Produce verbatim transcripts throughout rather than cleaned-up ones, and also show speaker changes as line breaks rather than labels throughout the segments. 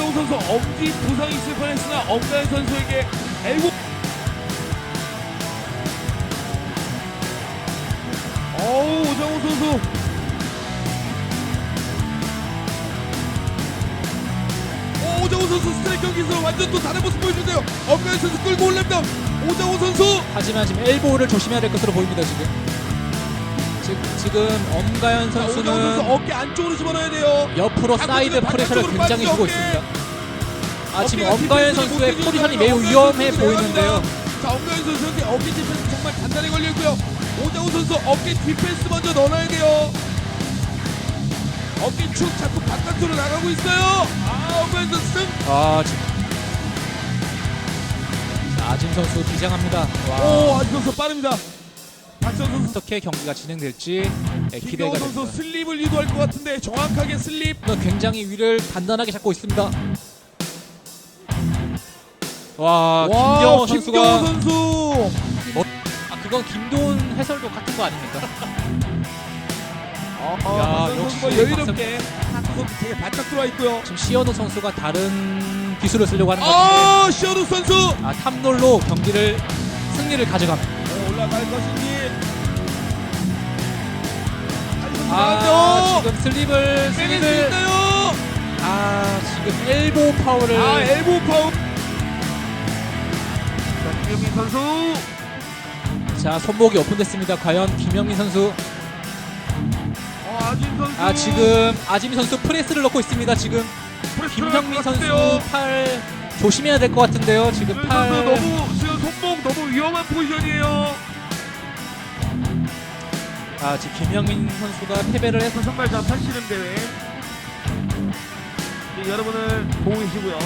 김경호 선수 엄지 부상이 있을 뻔했으나 엄가연 선수에게 엘보 어우 오정호 선수 오, 오정호 선수 스트라이크 경기에서 완전 또 다른 모습 보여주는데요. 엄가연 선수 끌고 올랍니다. 오정호 선수
하지만 지금 엘보를 조심해야 될 것으로 보입니다. 지금 지금, 지금 엄가연
자, 오정호 선수
선수는
어깨 안쪽으로 집어넣어야 돼요.
옆으로
자,
사이드
바깥쪽으로
프레셔를
빠지죠,
굉장히 주고
어깨.
있습니다. 아 지금
어깨가
엄가연
디펜스를
선수의
못
포지션이
해주는
매우
엄가연
위험해
선수
보이는데요.
내려갑니다. 자, 엄가연 선수한테 어깨 디펜스 정말 단단히 걸려있고요. 오정호 선수 어깨 디펜스 먼저 넣어놔야 돼요. 어깨 축 자꾸 바깥으로 나가고 있어요. 아, 엄가연 선수 승.
아 지금 자, 아진 선수 비장합니다. 와.
오, 아진 선수 빠릅니다. 박선 선수,
어떻게 경기가 진행될지 네, 기대가
김경호 선수
됩니다.
슬립을 유도할 것 같은데 정확하게 슬립.
굉장히 위를 단단하게 잡고 있습니다. 와,
와,
김경호 선수가
김경호 선수.
뭐, 아 그건 김도훈 해설도 같은 거 아닙니까?
아,
야,
박선
역시
선수가 여유롭게 박선 선수 되게 바짝 들어와 있고요.
지금 시현우 선수가 다른 기술을 쓰려고 하는 것 같은데
아, 시어루 선수.
아 탑롤로 경기를 승리를 가져갑니다.
어, 올라갈 것인지.
아
나왔죠?
지금 슬립을
빼낼 수
슬립을
있나요?
아 지금 엘보 파워를
아, 엘보 파워. 자, 김영민 선수.
자 손목이 오픈됐습니다. 과연 김영민 선수
어, 아진 선수.
아 지금 아지미 선수 프레스를 넣고 있습니다. 지금
프레스
김형민
들어갈 것
선수
같은데요.
팔 조심해야 될 것 같은데요. 지금
수현
팔
선수 너무 지금 손목 너무 위험한 포지션이에요.
아 지금 김영민 선수가 패배를 해서
선발 자 팔씨름 대회. 네, 여러분을 보고 계시고요.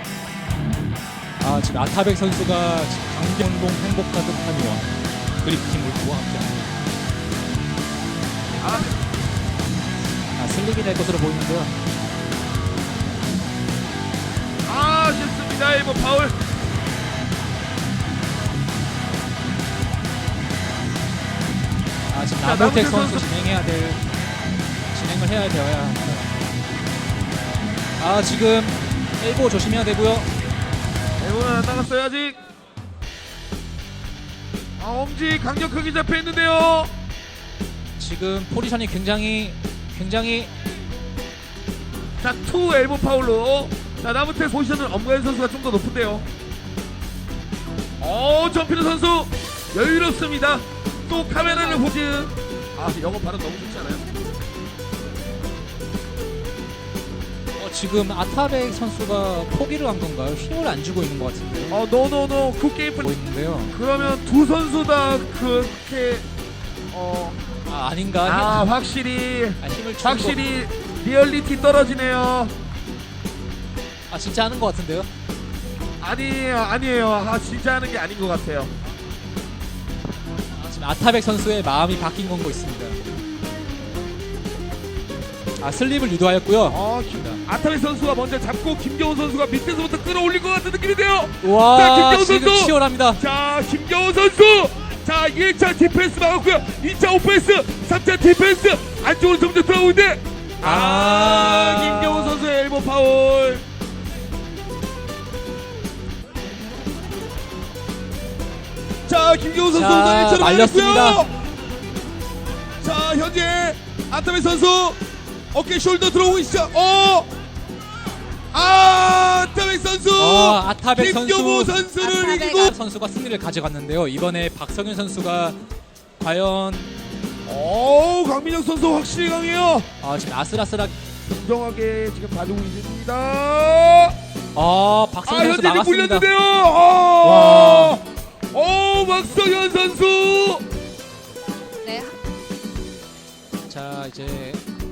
아 지금 아타백 선수가 지금 강경동 행복 가득한 원 그리프팀 울프와 함께합니다.
아,
아 슬립이 될 것으로 보이는데요.
아, 좋습니다. 엘보 파울.
아 지금
자,
나무택
나무택
선수
선수.
진행해야 될 진행을 해야 되어야 합니다. 아 지금 엘보 조심해야 되고요.
엘보는 안 나갔어요 아직. 아, 엄지 강력하게 잡혀 있는데요.
지금 포지션이 굉장히 굉장히
자, 투 엘보 파울로. 자, 나무태 포지션은 엄가연 선수가 좀 더 높은데요. 어, 점피는 선수 여유롭습니다. 또 카메라를 보지. 아, 영어 발음 너무 좋지 않아요?
어, 지금 아타백 선수가 포기를 한 건가요? 힘을 안 주고 있는 것 같은데요.
어, 노노노 굿게임 플.
보이는데요.
그러면 두 선수 다 그렇게 어,
아 아닌가?
아,
힘,
확실히
아, 힘을 주는
확실히 리얼리티 떨어지네요.
거, 아 진짜 하는 것 같은데요.
아니에요, 아니에요. 아, 진짜 하는 게 아닌 것 같아요.
아, 지금 아타백 선수의 마음이 바뀐 건거 있습니다. 아 슬립을 유도하였고요.
어, 아타미 선수가 먼저 잡고 김경호 선수가 밑에서부터 끌어올릴 것 같은 느낌인데요. 자,
와
김경호
지금
선수!
치열합니다.
자, 김경호 선수. 자, 일 차 디펜스 막았고요. 이 차 오펜스, 삼 차 디펜스 안쪽으로 점점 들어오고 있는데 아,
아.
김경호 선수의 엘보 파울. 자, 김경호 선수
자,
오늘 일 차로
말렸습니다.
말렸고요. 자, 현재 아타미 선수 어깨 숄더 들어오고 있죠. 어! 아, 아타백 선수.
어, 아타백
김경호
선수.
선수를
아타백
이기고.
선수가 승리를 가져갔는데요. 이번에 박성윤 선수가 과연
오, 강민혁 선수 확실히 강해요.
아 지금 아슬아슬하게
공정하게 지금 봐주고 있습니다.
아
아,
박성윤 선수
현재
나갔습니다.
물렸는데요.
와.
아, 오, 박성현 선수.
네,
자 이제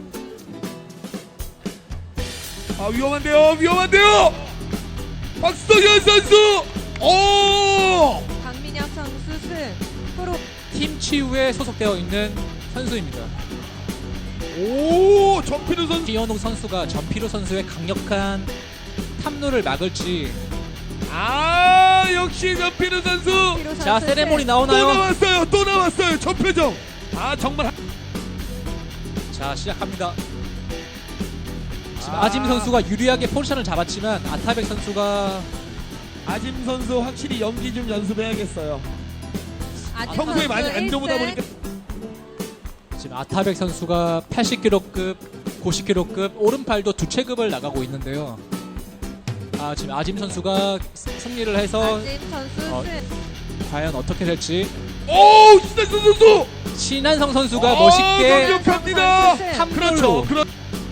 아, 위험한데요, 위험한데요. 박성현 선수. 오,
강민혁 선수 승. 프로
팀 치유에 소속되어 있는 선수입니다.
오, 전피르 선수.
기현욱 선수가 전피루 선수의 강력한 탐로를 막을지.
아, 역시 전피르 선수.
피로
자
선수
세레모니
승.
또
나오나요?
나왔어요, 또 나왔어요. 전표정. 아, 정말.
자 시작합니다. 지금 아짐 선수가 유리하게 포지션을 잡았지만 아타백 선수가
아짐 선수 확실히 연기 좀 연습해야겠어요.
아직
평소에
선수
많이 안 줘보다
일 승.
보니까
지금 아타백 선수가 팔십 킬로급, 구십 킬로급 오른팔도 두 체급을 나가고 있는데요. 아 지금 아짐 선수가 스- 승리를 해서
아짐 선수
어,
승.
과연 어떻게 될지
오 신나선 선수
신한성 선수가
어,
멋있게
강력합니다.
선수 승.
탐-
그렇죠. 그렇.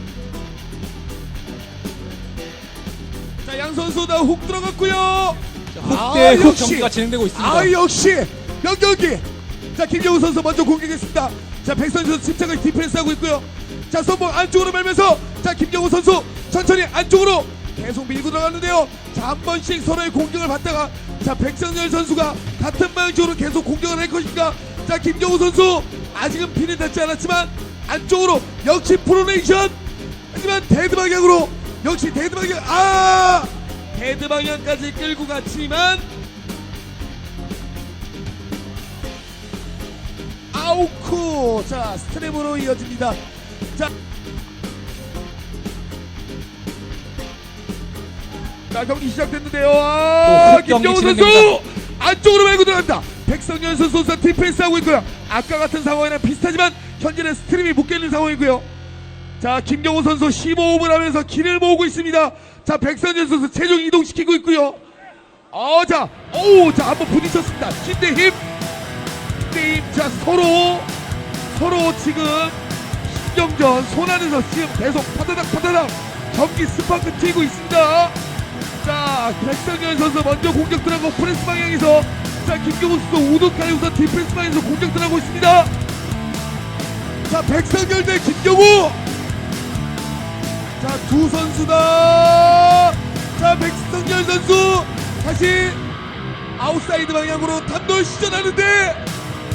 자양 선수 다 훅 들어갔고요.
훅대
아,
훅
역시.
경기가 진행되고 있습니다.
아 역시 명경기. 자 김경우 선수 먼저 공격했습니다. 자 백선 선수 침착하게 디펜스하고 있고요. 자 선봉 안쪽으로 밀면서 자 김경우 선수 천천히 안쪽으로 계속 밀고 들어갔는데요. 자 한 번씩 서로의 공격을 받다가 자 백성열 선수가 같은 방향 쪽으로 계속 공격을 할 것인가. 자 김경우 선수 아직은 피는 닿지 않았지만 안쪽으로 역시 프로네이션. 하지만 데드 방향으로 역시 데드 방향 아 데드 방향까지 끌고 갔지만 아우쿠. 자 스트랩으로 이어집니다. 자, 자 경기 시작됐는데요. 아,
또 훅 경기
김경호 선수
진행됩니다.
안쪽으로 밀고 들어간다. 백성현 선수 선수 디펜스하고 있고요. 아까 같은 상황이랑 비슷하지만 현재는 스트림이 묶여있는 상황이고요. 자 김경호 선수 십오 홈을 하면서 길을 모으고 있습니다. 자 백성현 선수 체중 이동시키고 있고요. 어, 자, 오, 자 한번 부딪혔습니다. 힘대 힘, 힘대 힘. 자 서로 서로 지금 신경전 손 안에서 지금 계속 파다닥 파다닥 경기 스파크 튀고 있습니다. 자 백성현 선수 먼저 공격 들어가고 프레스 방향에서 자 김경호 선수 우두카이 우선 디펜스 방향에서 공격 들어가고 있습니다. 자 백성현 대 김경호. 자 두 선수다. 자 백성현 선수 다시 아웃사이드 방향으로 단돌 시전하는데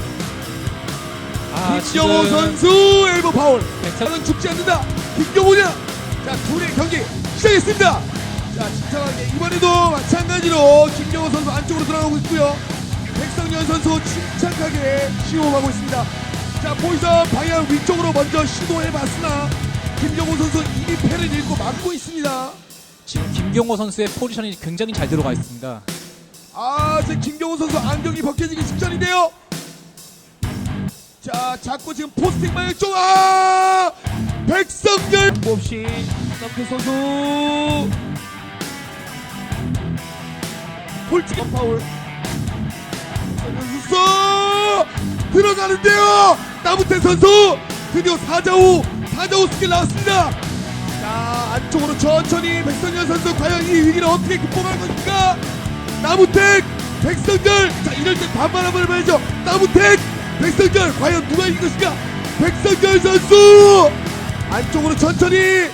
아,
김경호
지금
선수 엘보 파울.
백성-
백성은 죽지 않는다. 김경호냐? 자 둘의 경기 시작했습니다. 자 침착하게 이번에도 마찬가지로 김경호 선수 안쪽으로 들어가고 있고요. 백성현 선수 침착하게 시호하고 있습니다. 자 포지션 방향 위쪽으로 먼저 시도해봤으나 김경호 선수 이미 패를 읽고 막고 있습니다.
지금 김경호 선수의 포지션이 굉장히 잘 들어가 있습니다.
아, 제 김경호 선수 안경이 벗겨지기 직전인데요. 자, 자꾸 지금 포스팅 방향 쪽, 아! 백성열! 없이, 남태 선수. 홀찌개 파울. 선수 들어가는데요! 나무태 선수! 드디어 사자우, 사자우 스킬 나왔습니다. 자, 안쪽으로 천천히 백성열 선수 과연 이 위기를 어떻게 극복할 것인가? 나무택 백성열. 자 이럴 때 반말 한번 해봐야죠. 나무택 백성열 과연 누가 이길 것인가. 백성열 선수 안쪽으로 천천히.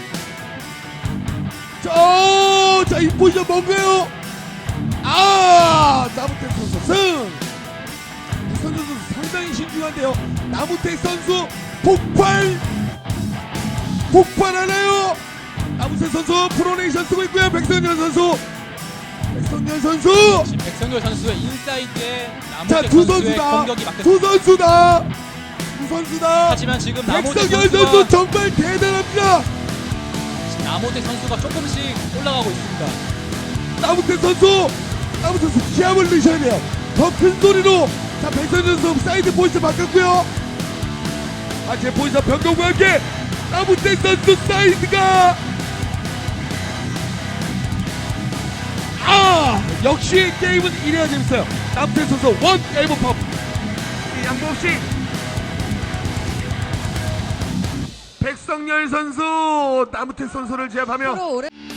자, 자 이 포지션 뭔가요? 아 나무택 선수 승. 백성열 선수 상당히 신중한데요. 나무택 선수 폭발 폭발하나요? 나무택 선수 프로네이션 쓰고 있고요. 백성열 선수 백성열 선수.
지금 백성열 선수의 인사이드에 나무택
자 두
선수의
선수다.
공격이 막혔습니다.
두 선수다. 두 선수다.
하지만 지금 나무택
백성열
선수가
선수 정말 대단합니다.
나무택 선수가 조금씩 올라가고 있습니다.
나무태 선수, 나무태 선수 기합을 넣으셔야 돼요. 더 큰 소리로. 자 백성열 선수 사이드 포지션 바꿨고요. 아 제 포지션 변경과 함께 나무태 선수 사이드가. 아 역시 게임은 이래야 재밌어요. 나무태 선수 원 엘보 팝. 양보 없이 백성열 선수 나무태 선수를 제압하며
프로 오래